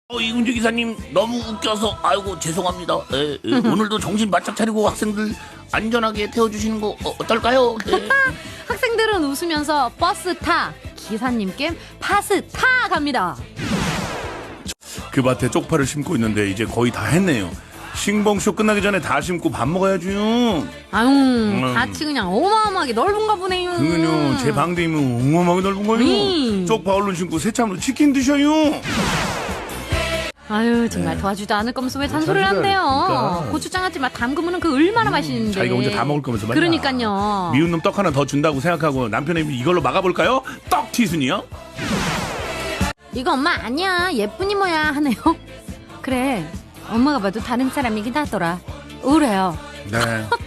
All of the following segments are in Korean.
이은주 기사님 너무 웃겨서 아이고 죄송합니다. 오늘도 정신 바짝 차리고 학생들 안전하게 태워주시는 거 어떨까요? 학생들은 웃으면서 버스 타, 기사님께 파스 타 갑니다. 그 밭에 쪽파를 심고 있는데 이제 거의 다 했네요. 싱벙쇼 끝나기 전에 다 심고 밥 먹어야죠. 아유, 밭이 그냥 어마어마하게 넓은가 보네요. 그건요, 제 방대이면 어마어마하게 넓은 거요. 쪽파 얼른 심고 새참으로 치킨 드셔요. 아유, 정말 도와주지도 않을 거면서 왜 잔소리를 한대요. 그러니까. 고추장아찌 맛 담그면 그 얼마나 맛있는데. 자기가 혼자 다 먹을 거면서 말이야. 그러니까요. 미운 놈 떡 하나 더 준다고 생각하고 남편의 이걸로 막아볼까요? 떡 티순이요? 이거 엄마 아니야, 예쁜 이모야 하네요. 그래, 엄마가 봐도 다른 사람이긴 하더라. 우울해요. 네.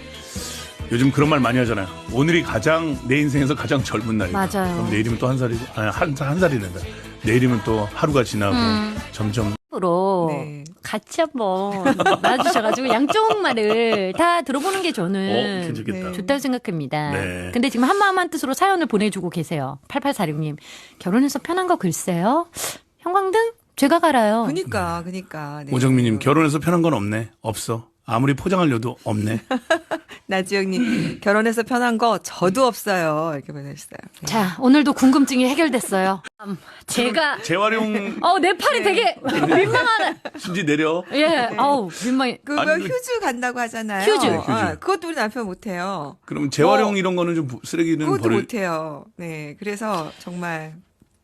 요즘 그런 말 많이 하잖아요. 오늘이 가장 내 인생에서 가장 젊은 날이다. 맞아요. 그럼 내일이면 또 한 살이고, 한 살이 된다. 내일이면 또 하루가 지나고 점점. 으로 네. 같이 한번 놔주셔가지고 양쪽 말을 다 들어보는 게 저는 괜찮겠다. 네. 좋다고 생각합니다. 네. 근데 지금 한마음 한뜻으로 사연을 보내주고 계세요. 8846님. 결혼해서 편한 거 글쎄요. 형광등? 제가 갈아요. 그니까. 네. 오정민님, 결혼해서 편한 건 없네. 없어. 아무리 포장하려도 없네. 나지영님, 결혼해서 편한 거 저도 없어요. 이렇게 보내주셨어요. 네. 자, 오늘도 궁금증이 해결됐어요. 제가 재활용 내 팔이 되게 민망하네. 순지 내려. 예, 민망해. 그거 아니, 휴즈 간다고 하잖아요. 휴즈. 네, 휴즈. 그것도 우리 남편 못해요. 그럼 재활용 이런 거는 좀 쓰레기는 그것도 버릴. 못해요. 네, 그래서 정말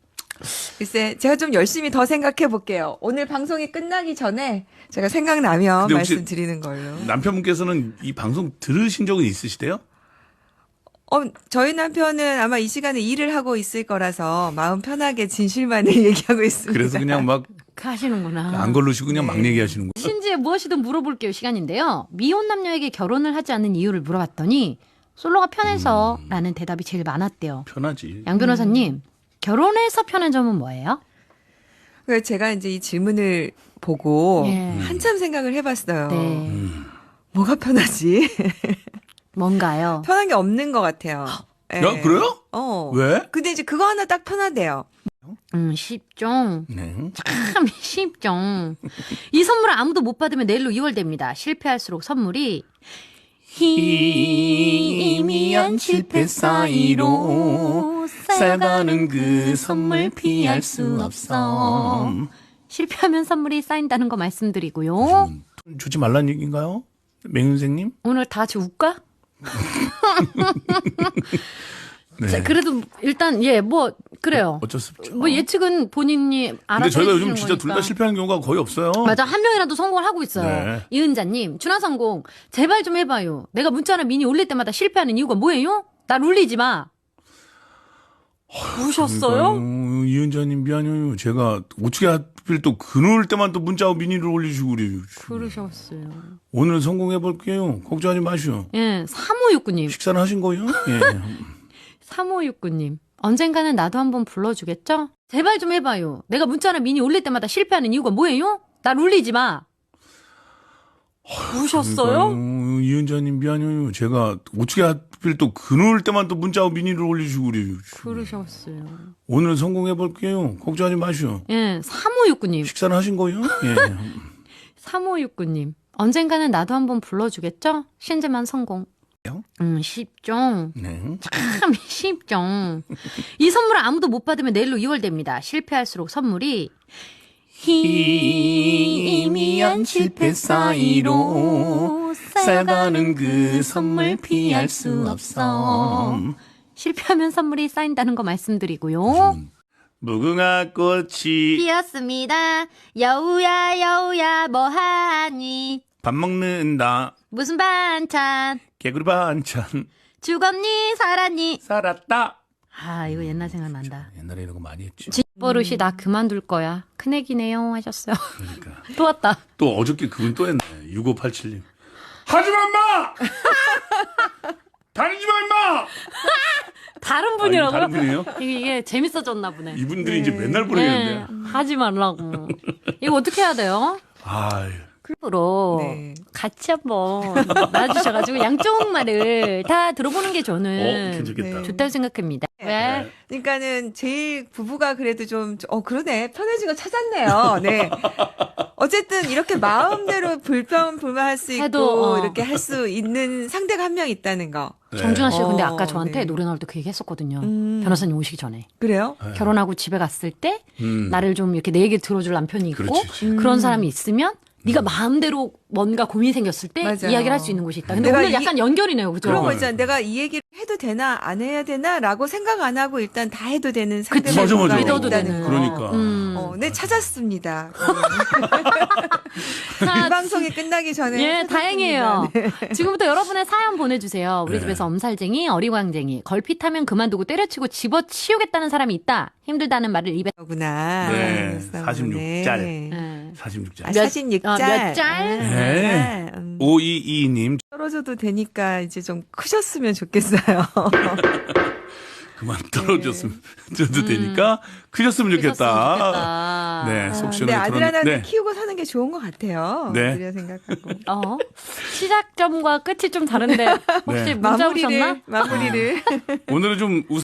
글쎄 제가 좀 열심히 더 생각해 볼게요. 오늘 방송이 끝나기 전에 제가 생각나면 근데 혹시 말씀드리는 걸로. 남편분께서는 이 방송 들으신 적은 있으시대요? 저희 남편은 아마 이 시간에 일을 하고 있을 거라서 마음 편하게 진실만을 얘기하고 있습니다. 그래서 그냥 막 안 하시는구나. 걸르시고 그냥 막 네. 얘기하시는 거예요. 신지에 무엇이든 물어볼게요 시간인데요. 미혼 남녀에게 결혼을 하지 않는 이유를 물어봤더니 솔로가 편해서 라는 대답이 제일 많았대요. 편하지. 양 변호사님, 결혼해서 편한 점은 뭐예요? 그래서 제가 이제 이 질문을 보고 예. 한참 생각을 해봤어요. 네. 뭐가 편하지? 뭔가요? 편한 게 없는 것 같아요. 예. 야, 그래요? 왜? 근데 이제 그거 하나 딱 편하대요. 쉽죠. 네. 참 쉽죠. 이 선물을 아무도 못 받으면 내일로 2월 됩니다. 실패할수록 선물이 희미한 실패 사이로 쌓여가는 그 선물 피할 수 없어. 실패하면 선물이 쌓인다는 거 말씀드리고요. 주지 말란 얘기인가요? 맹윤생님? 오늘 다 같이 웃까? 네. 자, 그래도 일단 그래요. 어쩔 수 없죠. 뭐 예측은 본인이 알아서 근데 저희가 요즘 해주시는 진짜 둘 다 거니까. 실패하는 경우가 거의 없어요. 맞아, 한 명이라도 성공을 하고 있어요. 네. 이은자님, 준하성공 제발 좀 해봐요. 내가 문자나 미니 올릴 때마다 실패하는 이유가 뭐예요? 날 울리지 마. 우셨어요? 이은자님 미안해요. 제가 어떻게 하필 또 그늘 때만 또 문자와 미니를 올리시고 그래요. 그러셨어요. 오늘은 성공해볼게요. 걱정하지 마시오. 예, 3569님. 식사는 하신 거예요? 예. 3569님. 언젠가는 나도 한번 불러주겠죠? 제발 좀 해봐요. 내가 문자나 미니 올릴 때마다 실패하는 이유가 뭐예요? 날 울리지 마. 우셨어요? 이은자님 미안해요. 제가 어떻게 하필 또 그늘 때만 또 문자와 미니를 올리시고 그래요. 그러셨어요. 오늘은 성공해볼게요. 걱정하지 마시오. 예, 3569님. 식사는 하신 거예요? 예. 3569님. 언젠가는 나도 한번 불러주겠죠? 신재만 성공. 쉽죠. 네. 참 쉽죠. 이 선물을 아무도 못 받으면 내일로 2월 됩니다. 실패할수록 선물이 희미한 실패 사이로 쌓여가는 그 선물 피할 수 없어. 실패하면 선물이 쌓인다는 거 말씀드리고요. 무궁화 꽃이 피었습니다. 여우야 여우야 뭐하니? 밥 먹는다. 무슨 반찬? 개구리 반찬. 죽었니 살았니? 살았다. 아, 이거 옛날 생각난다. 옛날에 이런 거 많이 했죠. 버릇이 나 그만둘 거야. 큰애기네요 하셨어요. 그러니까. 또 왔다. 또 어저께 그분 또 했네. 6587님. 하지마 임마! 다니지마 임마! 다른 아니, 분이라고요? 다른 분이에요? 이게 재밌어졌나 보네. 이분들이 이제 맨날 보내는데. 하지 말라고. 이거 어떻게 해야 돼요? 아유. 으로 네. 같이 한번 나와주셔가지고 양쪽 말을 다 들어보는 게 저는 괜찮겠다. 네. 좋다고 생각합니다. 왜? 네. 그러니까는 제일 부부가 그래도 좀, 그러네. 편해진 거 찾았네요. 네. 어쨌든 이렇게 마음대로 불평불만할 수 있고, 해도, 이렇게 할 수 있는 상대가 한 명 있다는 거. 네. 정준하 씨 근데 어, 아까 저한테 네. 노래 나올 때 그 얘기 했었거든요. 음. 변호사님 오시기 전에. 그래요? 결혼하고 집에 갔을 때 음. 나를 좀 이렇게 내 얘기 들어줄 남편이 있고 그렇지. 그런 사람이 있으면 네가 마음대로 뭔가 고민이 생겼을 때 맞아요. 이야기를 할 수 있는 곳이 있다. 근데 내가 오늘 약간 연결이네요. 그죠? 그런 거 그러니까요. 있잖아. 내가 이 얘기를 해도 되나, 안 해야 되나, 라고 생각 안 하고 일단 다 해도 되는 그치. 상대가 맞아. 믿어도 있다는 되는. 거. 그러니까. 네, 찾았습니다. 자, 이 방송이 끝나기 전에. 예, 찾았습니다. 다행이에요. 네. 지금부터 여러분의 사연 보내주세요. 우리 네. 집에서 엄살쟁이, 어리광쟁이, 걸핏하면 그만두고 때려치고 집어치우겠다는 사람이 있다. 힘들다는 말을 입에. 구나. 네, 46짤. 네. 46자. 아, 사진 6짤. 몇 짤? 네. 5222님 떨어져도 되니까 이제 좀 크셨으면 좋겠어요. 그만 떨어졌으면 저도 되니까 크셨으면 좋겠다. 좋겠다. 네, 속 근데 시원하게 아들 털어내- 하나는 네. 키우고 사는 게 좋은 것 같아요. 네. 그래야 생각하고. 시작점과 끝이 좀 다른데 혹시 네. 문자 오셨나? 마무리를. 오늘은 좀